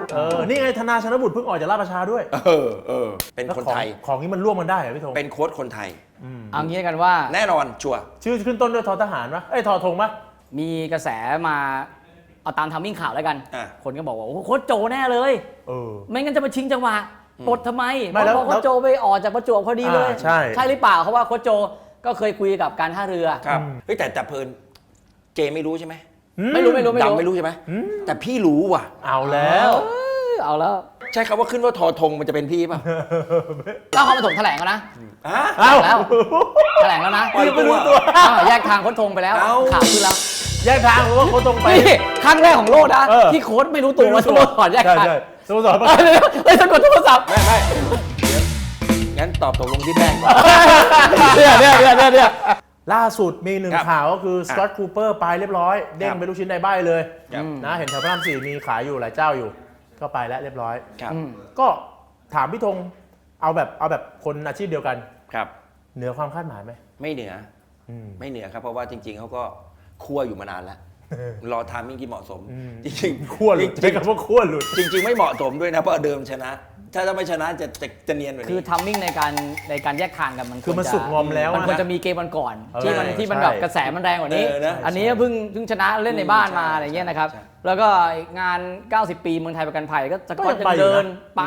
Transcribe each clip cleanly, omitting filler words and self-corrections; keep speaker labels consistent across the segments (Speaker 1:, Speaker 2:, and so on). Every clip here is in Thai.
Speaker 1: นี่ไงธนาชนบุตรเพิ่งออกจากราชประชาด้วย
Speaker 2: เป็นคนไทย
Speaker 1: ของนี้มันร่วมกันได้เหรอพี่ธง
Speaker 2: เป็นโค้ชคนไทย
Speaker 3: เอางี้กันว่า
Speaker 2: แน่นอนชัวร์
Speaker 1: ชื่อขึ้นต้นด้วยททหารปะทอธงปะ
Speaker 3: มีกระแสมาเอาตามทำมิ่งข่าวแล้วกันคนก็บอกว่าโอ้โค้ชโจแน่เลยไม่งั้นจะมาชิงจังหวะปลดทำไมเพราะโค้ชโจไปออกจากประจวบพอดีเลยใช่หรือเปล่าเพราะว่าโค้ชโจก็เคยคุยกับการท่าเรือ
Speaker 2: ครับแต่เพลินเจไม่รู้ใช่ไหม
Speaker 3: ไม่รู้
Speaker 2: ดำไม่รู้ใช่ไหมแต่พี่รู้ว่ะ
Speaker 1: เอาแล้ว
Speaker 2: ใช่คำว่าขึ้นว่าทอธงมันจะเป็นพี่ป่ะ
Speaker 3: ก็เขามาถกแถลงแล้วนะแล้วแถลงแล้วนะ
Speaker 1: ไม่รู้ตัว
Speaker 3: แยกทางโค้ชธงไปแล้วข่าวขึ้นแล้ว
Speaker 1: แยกทางเพราะว่าโค้ชธงไป
Speaker 3: ครั้งแรกของโลกนะที่โค้ชไม่รู้ตัวว่าสโมสรแยกทาง
Speaker 1: สโมสร
Speaker 3: สะกดโทรศัพท์
Speaker 2: ไม่งั้นตอบตกลงที่แป้ง
Speaker 1: เนี่ยล่าสุดมีหนึ่งข่าวก็คือสกอตต์คูเปอร์ไปเรียบร้อยเด้งไปลูกชิ้นในใบเลยนะเห็นแถวพระราม4มีขายอยู่หลายเจ้าอยู่ก็ไปแล้วเรียบร้อยก็ถามพี่ธงเอาแบบคนอาชีพเดียวกัน
Speaker 2: ครับ
Speaker 1: เหนือความคาดหมายไหม
Speaker 2: ไม่เหนือครับเพราะว่าจริงๆเขาก็คั่วอยู่มานานแล้วรอทามมิ่งที่เหมาะสมจริง
Speaker 1: ๆคั่วหลุดใช้คำว่าคั่วหลุด
Speaker 2: จริงๆไม่เหมาะสมด้วยนะเพราะเดิมชนะถ้าไม่ชนะจะเนียนกว่านี้
Speaker 3: คือทัมมิ่งในการแยกทางกันมัน
Speaker 1: คือมันสุกงอมแล้ว
Speaker 3: มันควรจะมีเกมวันก่อนที่มันแบบกระแสมันแรงกว่านี้อันนี้เพิ่งชนะเล่นในบ้านมาอะไรเงี้ยนะครับแล้วก็งาน90ปีเมืองไทยประกันภัยก็จะเดินไป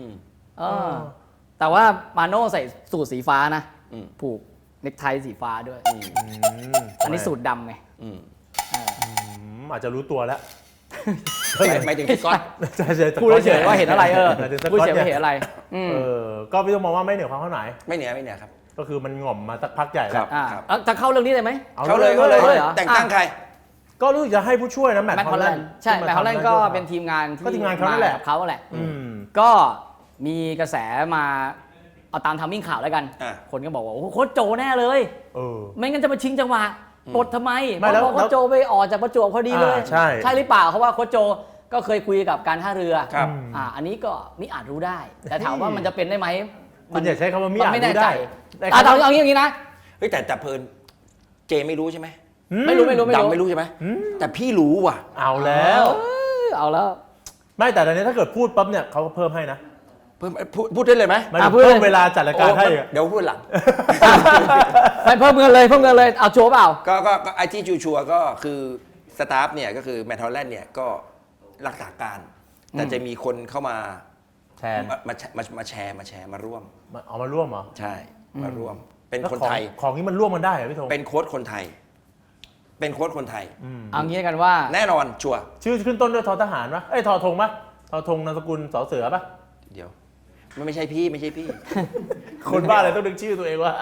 Speaker 3: แต่ว่ามาโน่ใส่สูทสีฟ้านะผูกเนคไทสีฟ้าด้วยอันนี้สูทดำไง
Speaker 1: อาจจะรู้ตัวแล้ว
Speaker 2: ไม่ถึงสก๊อต
Speaker 3: พูดเฉยว่าเห็นอะไรพูดเฉยว่าเห็นอะไร
Speaker 1: ก็พี่ต้องมองว่าไม่เหนือความคาดหมาย
Speaker 2: ไม่เหนือครับ
Speaker 1: ก็คือมันง่อมมาสักพักใหญ่แล้ว
Speaker 3: จะเข้าเรื่องนี้เลยไหม
Speaker 2: เข้าเลยแต่งตั้งใคร
Speaker 1: ก็รู้จะให้ผู้ช่วยนะแมตต์ฮอลแลนด์
Speaker 3: ใช่แมตต์ฮอลแลนด์ก็เป็นทีมงานที่
Speaker 1: เขาแหละ
Speaker 3: เขาแหละก็มีกระแสมาเอาตามทำมิ่งข่าวแล้วกันคนก็บอกว่าโอ้โค้ชโจแน่เลยไม่งั้นจะมาชิงจังหวะปลดทำไมเพราะโค้ชโจไปออกจากประจวบพอดีเลยใช่หรือเปล่าเพราะว่าโค้ชโจก็เคยคุยกับการท่าเรืออันนี้ก็มิอาจรู้ได้แต่ถามว่ามันจะเป็นได้ไหม
Speaker 1: มันอย่าใช้คำว่ามิอาจรู้ได้
Speaker 3: เอาอย่างนี้นะ
Speaker 2: แต่เพลินเจไม่รู้ใช่ไหม
Speaker 3: ไม่รู้
Speaker 2: ดำไม่รู้ใช่ไหมแต่พี่รู้ว่ะ
Speaker 1: เอาแล้วไม่แต่ตอนนี้ถ้าเกิดพูดปั๊บเนี่ยเขาก็เพิ่มให้นะ
Speaker 2: พูดได้เลยไหม
Speaker 1: เพิ่มเวลาจัดรายการให้
Speaker 2: เดี๋ยวพูดหลัง
Speaker 3: ไม่เพิ่มเงินเลยเอาชัวร์เปล่า
Speaker 2: ก็ไอที่ชัวร์ก็คือสตาฟเนี่ยก็คือแมตต์ฮอลแลนด์เนี่ยก็รักษาการแต่จะมีคนเข้ามา
Speaker 1: แทน
Speaker 2: มาแชร์มาร่วม
Speaker 1: เอามาร่วมเหรอ
Speaker 2: ใช่มาร่วมเป็นคนไทย
Speaker 1: ของนี้มันร่วมกันได้เหรอพี่ธง
Speaker 2: เป็นโค้ชคนไทย
Speaker 3: เอางี้กันว่า
Speaker 2: แน่นอนชัวร์
Speaker 1: ชื่อขึ้นต้นด้วยททหารปะทอธงปะทอธงนามสกุลสอเสือปะ
Speaker 2: เดี๋ยวไม่ใช่พี่
Speaker 1: คนบ้าอะไรต้องนึกชื่อตัวเองว่า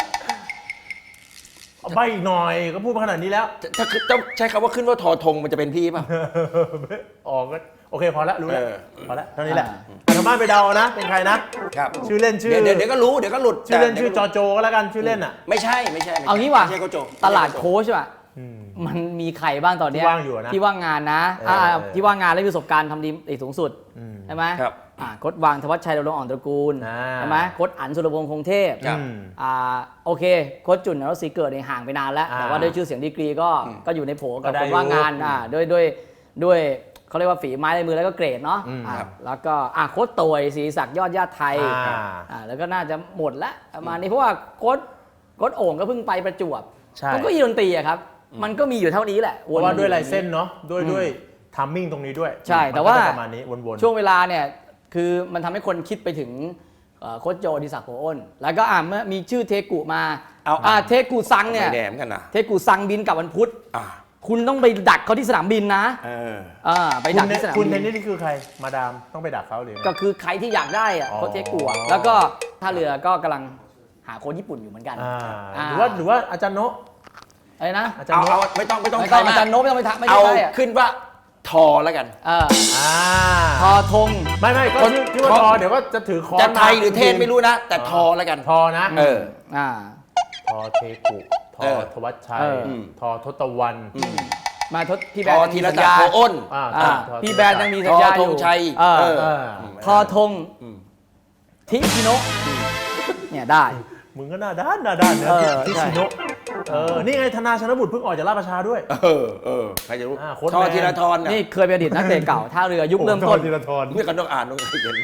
Speaker 1: ใบอีกหน่อยก็พูดมาขนาดนี้แล้ว
Speaker 2: ถ้าต้องใช้คำว่าขึ้นว่าทอธงมันจะเป็นพี่ป่ะ
Speaker 1: ก็โอเคพอแล้วรู้แล้วพอแล้วเท่านี้แหละทางบ้านไปเดานะเป็นใครนะครับชื่อเล่นชื่อ
Speaker 2: เดี๋ยวก็รู้เดี๋ยวก็หลุด
Speaker 1: ชื่อเล่นชื่อจอโจก็แล้วกันชื่อเล่นอ่ะ
Speaker 2: ไม่ใช่
Speaker 3: เอางี้ว่ะตลาดโค้ชอ่ะมันมีใครบ้างตอนนี้ที่ว่างงานนะที่ว่างงานและมีประสบการณ์ทำดีสูงสุดใช่ไหมโค้ชวางธวัชชัยดำรงอ่อนตระกูลใช่ไหมโค้ชอั๋นสุรพงษ์คงเทพโอเคโค้ชจุนนรศรีเกิดในห่างไปนานแล้วแต่ว่าด้วยชื่อเสียงดีกรีก็อยู่ในโผกับคนว่างงานด้วยเขาเรียกว่าฝีไม้ลายมือแล้วก็เกรดเนาะแล้วก็โค้ชตวยศรีศักดิ์ยอดญาติไทยแล้วก็น่าจะหมดแล้วประมาณนี้เพราะว่าโค้ชโอ่งก็เพิ่งไปประจวบมันก็ยีดนตรีครับมันก็มีอยู่เท่านี้แหละ
Speaker 1: เพราะว่าด้วยลายเส้นเนาะด้วยทัมมิ่งตรงนี้ด้วย
Speaker 3: ใช่แต่ว่า
Speaker 1: ประมาณนี้วน
Speaker 3: ช่วงเวลาเนี่ยคือมันทำให้คนคิดไปถึงโค้ชโจดิศักดิ์โพอ้นแล้วก็เมื่อมีชื่อเทกุมาเทกุซังเนี่ยเทกุซังบินกลับวันพุธคุณต้องไปดักเขาที่สนามบินนะไปดักที่สนามบิน
Speaker 1: คุณเทนนี่คือใครมาดามต้องไปดักเขาหรือ
Speaker 3: ก็คือใครที่อยากได้โค้ชเทกุแล้วก็ท่าเรือก็กำลังหาโค้ชญี่ปุ่นอยู่เหมือนกัน
Speaker 1: หรือว่าอาจารย์โนะ
Speaker 3: อะไรนะ
Speaker 2: เอาไม่ต้อง
Speaker 3: อาจารย์โน้ไม่ต้องไปทักไม่
Speaker 2: เอาขึ้นว่าทอแล้วกัน
Speaker 3: ทอธง
Speaker 1: ไม่ก็ชื่อว่าทอเดี๋ยวก็จะถือคอน
Speaker 2: จะไทยหรือเทศไม่รู้นะแต่ทอแล้วกัน
Speaker 1: ทอนะทอเทกุทอธวัชชัยทอทศวัน
Speaker 3: มาทศพี่แบน
Speaker 2: ธีรศักดิ์โพอ้น
Speaker 3: พี่แบนยังมีสัญญาอยู่
Speaker 2: ทอธงชัย
Speaker 3: ทอธงทิชิโนะเนี่ยได้
Speaker 1: มึงก็หน้าด้านนะทิชิโนะนี่ไงธนาชนบุตรเพิ่งออกจากราชประชาด้วย
Speaker 2: ใครจะรู้
Speaker 1: โค้ช
Speaker 2: ทอ
Speaker 1: แมน
Speaker 2: ธีรทร
Speaker 3: นี่เคยเป็นอดีตนักเตะเก่าท่าเรือยุคเริ่มต้น
Speaker 1: ธีรทร
Speaker 2: นี่ก็ต้องอ่านต้องเขียน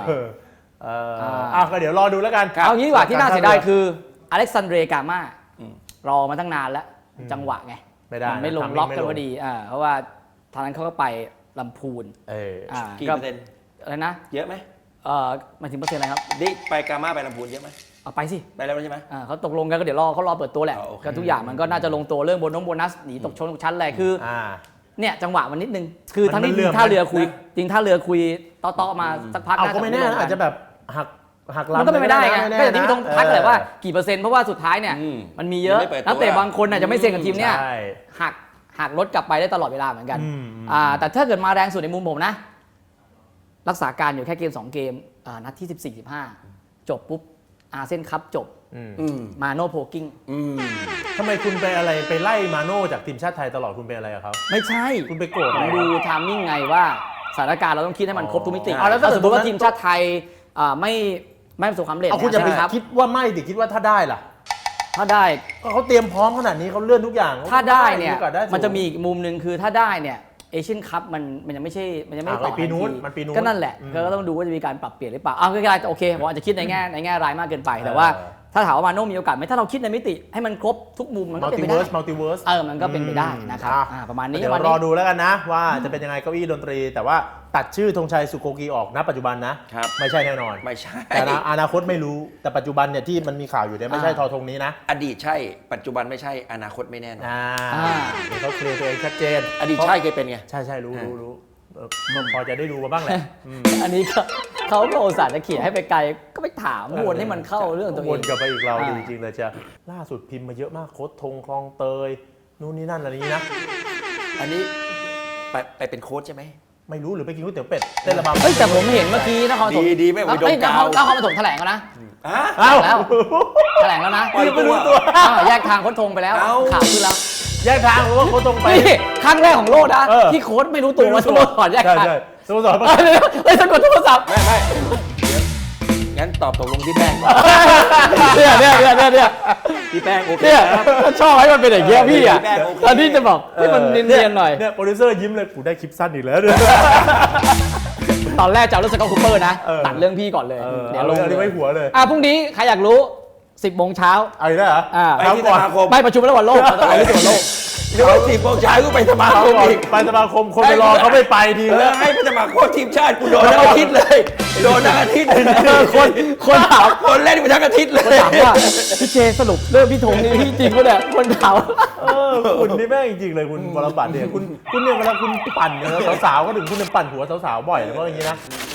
Speaker 1: ก็เดี๋ยวรอดูแล้วกัน
Speaker 3: เอางี้ดีกว่าที่น่าเสียดายคืออเล็กซานเดรกาม่ารอมาตั้งนานแล้วจังหวะไง
Speaker 1: ไม่ได้
Speaker 3: มันไม่ลงล็อกกันพอดีเพราะว่าทางนั้นเขาก็ไปลำพูน
Speaker 2: กี่เปอร์เซ็นต์
Speaker 3: อะไรนะ
Speaker 2: เยอะไหม
Speaker 3: หมายถึงเปอร์เซ็นต์อะไรครับ
Speaker 2: นี่ไปกามาไปลำพูนเยอะไหม
Speaker 3: เอาไปสิ
Speaker 2: ไปแล้วใช่ไหม
Speaker 3: เขาตกลงกันก็เดี๋ยวเขารอเปิดตัวแหละ
Speaker 2: โอเค
Speaker 3: ก็ทุกอย่างมันก็น่าจะลงตัวเรื่องโบนัสหนีตกชั้นอะไรคือเนี่ยจังหวะมันนิดนึงคือทั้งนี้จริงท่าเรือคุยจริงท่าเรือคุยต่อมาสักพัก
Speaker 1: เอาก็ไม่แน่อาจจะแบบหักลำ
Speaker 3: มันก็เป็นไปได้ไงก็อย่างที่พี่ต้องทักเลยว่ากี่เปอร์เซ็นต์เพราะว่าสุดท้ายเนี่ยมันมีเยอะนักเตะบางคนอาจจะไม่เซ็นกับทีมเนี่ยหักรถกลับไปได้ตลอดเวลาเหมือนกันแต่ถ้าเกิดมาแรงสุดในมุมผมนะรักษาการอยู่แค่เกม2เกมนัดที่14-15จบปุ๊บอาเซียนคัพจบมาโน่โพกิ้ง
Speaker 1: ทำไมคุณไปอะไรไปไล่มาโน่จากทีมชาติไทยตลอดคุณเป็นอะไรกับเขา
Speaker 3: ไม่ใช่
Speaker 1: คุณไปโกรธ
Speaker 3: ผมดูไทามมิ่งไงว่าสถานการณ์เราต้องคิดให้มันครบทุกมิติ
Speaker 1: แล้ว
Speaker 3: ถ้าสมมติว่าทีมชาติไทยไม่ประสบความสำเร็จ
Speaker 1: คุณจะไป
Speaker 3: ครับ
Speaker 1: คิดว่าไม่ดิคิดว่าถ้าได้ล่ะ
Speaker 3: ถ้าได้
Speaker 1: ก็เขาเตรียมพร้อมขนาดนี้เขาเลื่อนทุกอย่าง
Speaker 3: ถ้าได้เนี่ย
Speaker 1: โอกาสได้สูง
Speaker 3: มันจะมีอีกมุมหนึ่งคือถ้าได้เนี่ยเอเชียนคัพมันยังไม่ใช่มันยังไม่ต่อ
Speaker 1: ปีนู้น
Speaker 3: ทัที
Speaker 1: มันปีนู้น
Speaker 3: ก็นั่นแหละก็ต้องดูว่าจะมีการปรับเปลี่ยนหรือเปล่าก็โอเคผมอาจจะคิดในแง่ร้ายมากเกินไปแต่ว่าถ้าถามว่ามาโน่มีโอกาสไหมถ้าเราคิดในมิติให้มันครบทุกมุมมันก็เป็นไปได้
Speaker 1: มัลติเวิร์ส
Speaker 3: มันก็เป็นไปได้นะครับประมาณนี้
Speaker 1: เดี๋ยวรอดูแล้วกันนะว่าจะเป็นยังไงเก้าอี้ดนตรี แต่ว่าตัดชื่อธงชัยสุโกกีออกณปัจจุบันนะไม่ใช่แน่นอน
Speaker 2: ไม่ใช่
Speaker 1: แต่อนาคตไม่รู้แต่ปัจจุบันเนี่ยที่มันมีข่าวอยู่เนี่ยไม่ใช่ทอธงนี้นะ
Speaker 2: อดีตใช่ปัจจุบันไม่ใช่อนาคตไม่แน่นอน
Speaker 1: เขาเคลียร์ตัวเองชัดเจน
Speaker 2: อดีตใช่เคยเป็นไง
Speaker 1: ใช่รู้พอจะได้ดูมาบ้างแหละ
Speaker 3: อันนี้เขาก็อุตส่าห์จะเขี่ยให้ไปไกลก็ไปถามวนให้มันเข้าเรื่องตัวเอง
Speaker 1: วนกลับไปอีกเราดีจริงเลยจะล่าสุดพิมพ์มาเยอะมากโค้ชธงคลองเตยนู่นนี่นั่นอะไรนี้นะ
Speaker 2: อันนี้ไปเป็นโค้ชใช่ไหม
Speaker 1: ไม่รู้หรือไปกินก๋วยเตี๋ยวเป็ดเต้นระบำ
Speaker 3: แต่ผมเห็นเมื่อกี้นครปฐม
Speaker 2: ดีไม่ไปโดนกาว
Speaker 3: นครปฐมแถลงแล้วนะ
Speaker 1: อ้าว
Speaker 3: แล้วแถลงแล้วนะ
Speaker 1: ไม่รู้ตัว
Speaker 3: แยกทางโค้ชธงไปแล้วข่าวขึ้นแล้ว
Speaker 1: แยกทางเพราะว่าโค้ชธงไป
Speaker 3: นี่ครั้งแรกของโลกนะที่โค้ชไม่รู้ตัวว่าสโมสรแยกทาง
Speaker 1: ใช่สโมสร
Speaker 3: เลยสะกดโทรศัพท์
Speaker 2: ไม่งั้นตอบตกลงที่แป้งก่อน
Speaker 3: เนี่ย
Speaker 2: ที่แป้งโอเค
Speaker 3: เนี่ย
Speaker 2: ครับ
Speaker 3: ชอบให้มันเป็นอย่างเงี้ยพี่อ่ะ
Speaker 2: แป้งโอเค
Speaker 3: ตอนนี้จะบอกให้มันเนียนๆหน่อย
Speaker 1: เนี่ยโปรดิวเซอร์ยิ้มเลยกูได้คลิปสั้นอีกแล้วเนี่ย
Speaker 3: ตอนแรกจะเอาเรื่องสกอตคูเปอร์นะตัดเรื่องพี่ก่อนเลย
Speaker 1: เดี๋ยวลงเอาไว้หัวเลย
Speaker 3: พรุ่งนี้ใครอยากรู้ 10 โมงเช้า
Speaker 1: เอาอีกแล้วเหรอ
Speaker 2: ไปที่สมาคม
Speaker 3: ไม่ประชุมระหว่างโลกเราจะไปที่สวนโลก
Speaker 2: เดี๋ยว10 โมงเช้าก็ไปสมาคมอีก
Speaker 1: ไปสมาคมคนไปรอเขาไม่ไปทีแล้ว
Speaker 2: ให้ไปสมัครโค้ชทีมชาติกูโดนทั้งอาทิตย์เลยโดนทั้งอาทิตย์
Speaker 3: คนถาม
Speaker 2: คนเล่นไปทั้งอาทิตย์เลย
Speaker 3: ถามว่าพี่เจสรุปเรื่องพี่ธงนี่พี่จริงปะเนี่ยคนถาม
Speaker 1: คุณนี่แม่งจริงๆเลยคุณวรบัตรเนี่ยคุณเนี่ยเวลาคุณปั่นเนี่ยสาวๆก็ถึงคุณปั่นหัวสาวๆบ่อยเลยเพราะอย่างนี้นะ